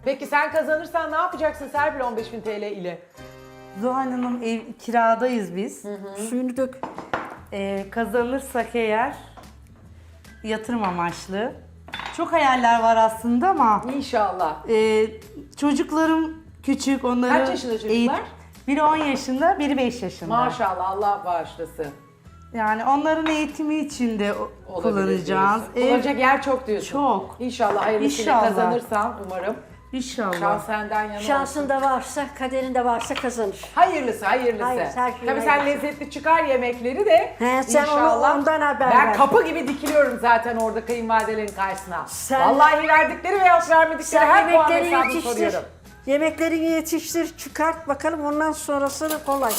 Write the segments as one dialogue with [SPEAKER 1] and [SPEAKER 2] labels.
[SPEAKER 1] Peki sen kazanırsan ne yapacaksın Serpil 15.000 TL ile?
[SPEAKER 2] Zuhal Hanım ev kiradayız biz.
[SPEAKER 3] Suyunu dök.
[SPEAKER 2] Kazanırsak eğer yatırım amaçlı. Çok hayaller var aslında ama
[SPEAKER 1] İnşallah.
[SPEAKER 2] çocuklarım küçük, onları
[SPEAKER 1] Kaç yaşında çocuklar?
[SPEAKER 2] Biri 10 yaşında, biri 5 yaşında.
[SPEAKER 1] Maşallah Allah bağışlasın.
[SPEAKER 2] Yani onların eğitimi için de
[SPEAKER 1] Olabilir
[SPEAKER 2] kullanacağız.
[SPEAKER 1] diyorsun. Kullanacak yer çok diyorsun.
[SPEAKER 2] Çok.
[SPEAKER 1] İnşallah hayırlısıyla
[SPEAKER 2] İnşallah.
[SPEAKER 1] kazanırsan umarım.
[SPEAKER 2] İnşallah.
[SPEAKER 1] Şans senden yana olsun.
[SPEAKER 3] Şansında varsa, kaderinde varsa kazanır.
[SPEAKER 1] Hayırlısı, hayırlısı.
[SPEAKER 3] Hayır, her şey
[SPEAKER 1] Tabii sen
[SPEAKER 3] hayırlısı.
[SPEAKER 1] lezzetli çıkar yemekleri de.
[SPEAKER 3] He, sen
[SPEAKER 1] İnşallah.
[SPEAKER 3] ondan haber
[SPEAKER 1] Ben
[SPEAKER 3] ver.
[SPEAKER 1] kapı gibi dikiliyorum zaten orada kayınvalidelerin karşısına.
[SPEAKER 3] Sen-
[SPEAKER 1] Vallahi verdikleri veya vermedikleri
[SPEAKER 3] Sen
[SPEAKER 1] her puan
[SPEAKER 3] yemekleri
[SPEAKER 1] hesabını
[SPEAKER 3] yetiştir.
[SPEAKER 1] soruyorum.
[SPEAKER 3] Yemeklerini yetiştir, çıkart bakalım ondan sonrasını kolay.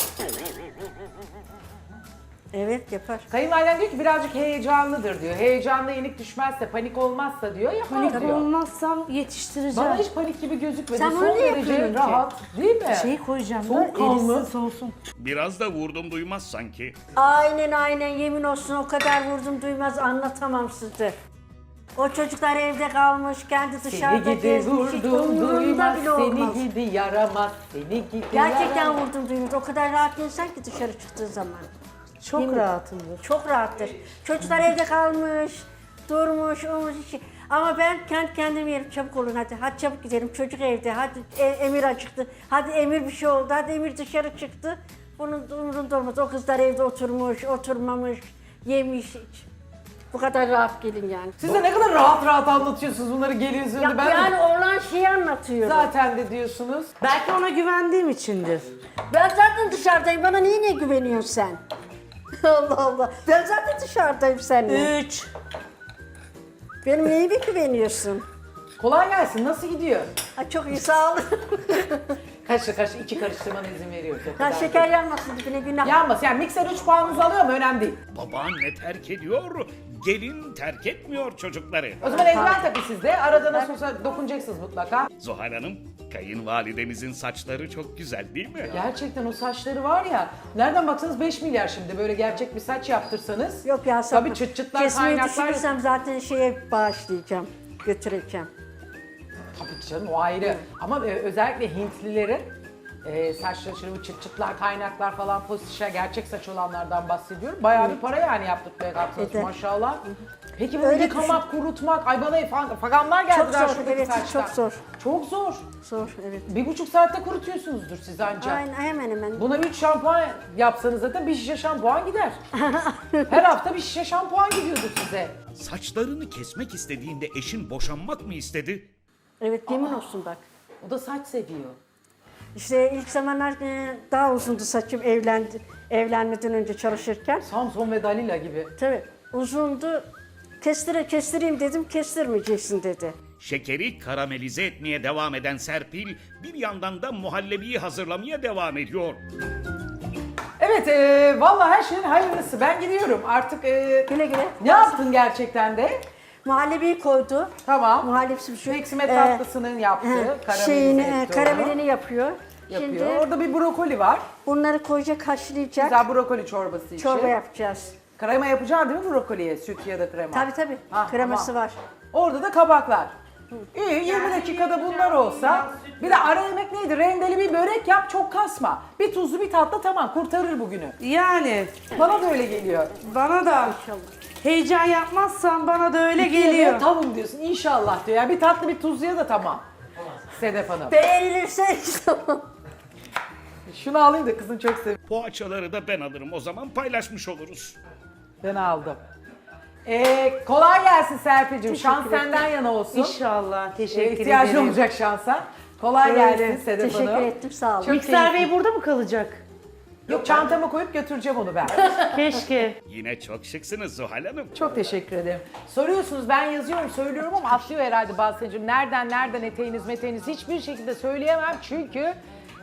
[SPEAKER 3] Evet yapar.
[SPEAKER 1] Kayınvaliden diyor ki birazcık heyecanlıdır diyor. Heyecanlı yenik düşmezse, panik olmazsa diyor yapar
[SPEAKER 2] Panik
[SPEAKER 1] diyor.
[SPEAKER 2] olmazsam yetiştireceğim.
[SPEAKER 1] Bana hiç panik gibi gözükmedi.
[SPEAKER 3] Sen
[SPEAKER 1] Son
[SPEAKER 3] onu niye
[SPEAKER 1] derece
[SPEAKER 3] yapıyorsun ki?
[SPEAKER 1] rahat değil mi?
[SPEAKER 2] Şey koyacağım da
[SPEAKER 1] Soğukkanlı.
[SPEAKER 2] erisin soğusun.
[SPEAKER 4] Biraz da vurdum duymaz sanki.
[SPEAKER 3] Aynen yemin olsun o kadar vurdum duymaz anlatamam size. O çocuklar evde kalmış, kendi dışarıda
[SPEAKER 1] Seni gidi
[SPEAKER 3] gezmiş, hiç
[SPEAKER 1] vurdum
[SPEAKER 3] umurunda
[SPEAKER 1] duymaz,
[SPEAKER 3] bile olmaz.
[SPEAKER 1] seni gidi yaramaz, seni gidi
[SPEAKER 3] Gerçekten
[SPEAKER 1] yaramaz.
[SPEAKER 3] vurdum duymaz. O kadar rahat insan ki dışarı çıktığı zaman.
[SPEAKER 2] Çok
[SPEAKER 3] Yemin-
[SPEAKER 2] rahatımdır.
[SPEAKER 3] Çok rahattır. Çocuklar evde kalmış, durmuş, olmuş işi. Ama ben kendi kendime yerim, çabuk olun hadi. Hadi çabuk gidelim, çocuk evde. Hadi Emir acıktı. Hadi Emir bir şey oldu. Hadi Emir dışarı çıktı. Bunun umurunda olmaz. O kızlar evde oturmuş, oturmamış, yemiş hiç. Bu kadar rahat gelin yani.
[SPEAKER 1] Siz de ne kadar rahat rahat anlatıyorsunuz bunları geliyorsunuz.
[SPEAKER 3] Ya,
[SPEAKER 1] Ben
[SPEAKER 3] yani
[SPEAKER 1] de
[SPEAKER 3] olan şeyi anlatıyorum.
[SPEAKER 1] zaten de diyorsunuz.
[SPEAKER 2] Belki ona güvendiğim içindir.
[SPEAKER 3] Ben zaten dışarıdayım. Bana niye güveniyorsun sen? Allah Allah. Ben zaten dışarıdayım seninle.
[SPEAKER 2] 3.
[SPEAKER 3] Benim neyime güveniyorsun?
[SPEAKER 1] Kolay gelsin. Nasıl gidiyor?
[SPEAKER 3] Ha, çok iyi sağ ol.
[SPEAKER 1] Kaşla iki karıştırmana izin veriyoruz. O kadar.
[SPEAKER 3] Ha, şeker yanmasın dibine günah.
[SPEAKER 1] Yanmasın. Yani mikser 3 puanınızı alıyor mu? Önemli değil.
[SPEAKER 4] Babaanne terk ediyor, gelin terk etmiyor çocukları.
[SPEAKER 1] O zaman eldiven takın siz de. Arada nasıl olsa dokunacaksınız mutlaka.
[SPEAKER 4] Zuhal Hanım, kayınvalidenizin saçları çok güzel değil mi?
[SPEAKER 1] Gerçekten o saçları var ya. Nereden baksanız 5 milyar şimdi. Böyle gerçek bir saç yaptırsanız.
[SPEAKER 3] Yok ya
[SPEAKER 1] Tabii çıt çıtlar,
[SPEAKER 3] kesmeyi
[SPEAKER 1] kaynaklar.
[SPEAKER 3] düşünürsem zaten şeye bağışlayacağım. Götüreceğim.
[SPEAKER 1] Tabii ki canım o ayrı. Ama özellikle Hintlilerin saçları şöyle bu çıt çıtlar, kaynaklar falan postişe gerçek saç olanlardan bahsediyorum. Bayağı bir para yani yaptırmaya kalksanız
[SPEAKER 3] Evet.
[SPEAKER 1] maşallah. Peki bunu
[SPEAKER 3] Öyle
[SPEAKER 1] yıkamak, kurutmak, ay bana faganlar geldiler
[SPEAKER 3] Çok zor,
[SPEAKER 1] şuradaki
[SPEAKER 3] evet,
[SPEAKER 1] saçtan.
[SPEAKER 3] çok zor.
[SPEAKER 1] Çok zor.
[SPEAKER 3] Zor evet.
[SPEAKER 1] 1,5 saatte kurutuyorsunuzdur siz ancak.
[SPEAKER 3] Aynen hemen hemen.
[SPEAKER 1] Buna 3 şampuan yapsanız zaten bir şişe şampuan gider. Her hafta bir şişe şampuan gidiyordur size.
[SPEAKER 4] Saçlarını kesmek istediğinde eşin boşanmak mı istedi?
[SPEAKER 3] Evet yemin olsun bak.
[SPEAKER 1] O da saç seviyor.
[SPEAKER 3] İşte ilk zamanlar daha uzundu saçım evlenmeden önce çalışırken.
[SPEAKER 1] Samson ve Dalila gibi.
[SPEAKER 3] Tabii uzundu. Kestireyim dedim, kestirmeyeceksin dedi.
[SPEAKER 4] Şekeri karamelize etmeye devam eden Serpil, bir yandan da muhallebiyi hazırlamaya devam ediyor.
[SPEAKER 1] Evet, vallahi her şeyin hayırlısı. Ben gidiyorum artık.
[SPEAKER 3] Güle güle.
[SPEAKER 1] Ne yaptın gerçekten de?
[SPEAKER 3] Muhallebiyi koydu.
[SPEAKER 1] Tamam.
[SPEAKER 3] Muhallebisi bir şey.
[SPEAKER 1] Peksimet tatlısının yaptığı, karamelize etti onu.
[SPEAKER 3] karamelini yapıyor.
[SPEAKER 1] Yapıyor.
[SPEAKER 3] Şimdi
[SPEAKER 1] Orada bir brokoli var.
[SPEAKER 3] bunları koyacak, haşlayacak.
[SPEAKER 1] Güzel brokoli çorbası için.
[SPEAKER 3] Çorba yapacağız.
[SPEAKER 1] Krema yapacaksın değil mi brokoliye? Süt ya da krema.
[SPEAKER 3] Tabii.
[SPEAKER 1] Ha,
[SPEAKER 3] Kreması
[SPEAKER 1] tamam.
[SPEAKER 3] var.
[SPEAKER 1] Orada da kabaklar. İyi 20 dakikada bunlar olsa. Bir de ara yemek neydi? Rendeli bir börek yap çok kasma. Bir tuzlu bir tatlı tamam kurtarır bugünü.
[SPEAKER 2] Yani
[SPEAKER 1] Bana da öyle geliyor.
[SPEAKER 2] bana da heyecan yapmazsam bana da öyle
[SPEAKER 1] İkiye
[SPEAKER 2] geliyor.
[SPEAKER 1] de tamam diyorsun inşallah diyor. Yani bir tatlı bir tuzluya da tamam. Sedef Hanım.
[SPEAKER 3] Beğenilirse tamam.
[SPEAKER 1] Şunu alayım da kızın çok seviyor.
[SPEAKER 4] Poğaçaları da ben alırım, o zaman paylaşmış oluruz.
[SPEAKER 1] Ben aldım. Kolay gelsin Serpil'cim. Şans
[SPEAKER 3] ederim.
[SPEAKER 1] senden yana olsun.
[SPEAKER 2] İnşallah. Teşekkür
[SPEAKER 1] İhtiyacın
[SPEAKER 2] ederim.
[SPEAKER 1] olacak şansa. Kolay gelsin
[SPEAKER 3] Öyle.
[SPEAKER 1] Sedef Hanım.
[SPEAKER 3] Teşekkür ettim sağ olun.
[SPEAKER 1] Çok
[SPEAKER 2] Mikser
[SPEAKER 1] keyifli.
[SPEAKER 2] Bey burada mı kalacak?
[SPEAKER 1] Yok çantama koyup götüreceğim onu ben.
[SPEAKER 2] Keşke.
[SPEAKER 4] Yine çok şıksınız Zuhal Hanım.
[SPEAKER 1] Çok teşekkür ederim. Soruyorsunuz ben yazıyorum söylüyorum ama atlıyor herhalde bazı seyircim. Nereden eteğiniz hiçbir şekilde söyleyemem çünkü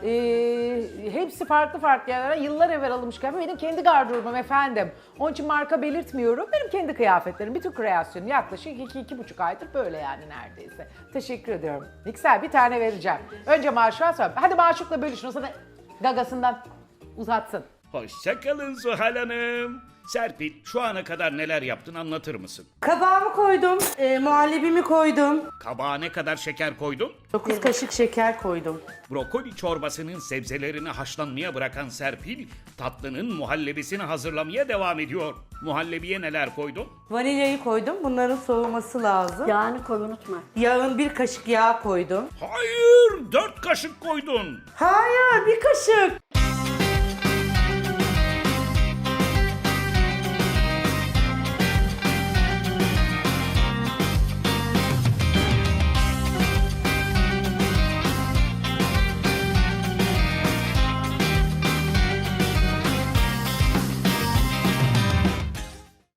[SPEAKER 1] hepsi farklı yerlerden yıllar evvel alınmış kıyafet. Benim kendi gardırobum efendim. Onun için marka belirtmiyorum. Benim kendi kıyafetlerim, bütün kreasyonum yaklaşık 2-2,5 aydır böyle yani neredeyse. Teşekkür ediyorum. Mikser bir tane vereceğim. Önce Maşuk'a sonra. Hadi Maşuk'la bölüşün o sana gagasından uzatsın.
[SPEAKER 4] Hoşça kalın Zuhal Hanım. Serpil, şu ana kadar neler yaptın anlatır mısın?
[SPEAKER 2] Kabağımı koydum, muhallebimi koydum.
[SPEAKER 4] Kabağa ne kadar şeker koydun?
[SPEAKER 2] 9 kaşık şeker koydum.
[SPEAKER 4] Brokoli çorbasının sebzelerini haşlanmaya bırakan Serpil, tatlının muhallebisini hazırlamaya devam ediyor. Muhallebiye neler koydun?
[SPEAKER 2] Vanilyayı koydum. Bunların soğuması lazım.
[SPEAKER 3] Yağını koy unutma.
[SPEAKER 2] Yağın 1 kaşık yağ koydum.
[SPEAKER 4] Hayır, 4 kaşık koydun.
[SPEAKER 2] Hayır, 1 kaşık.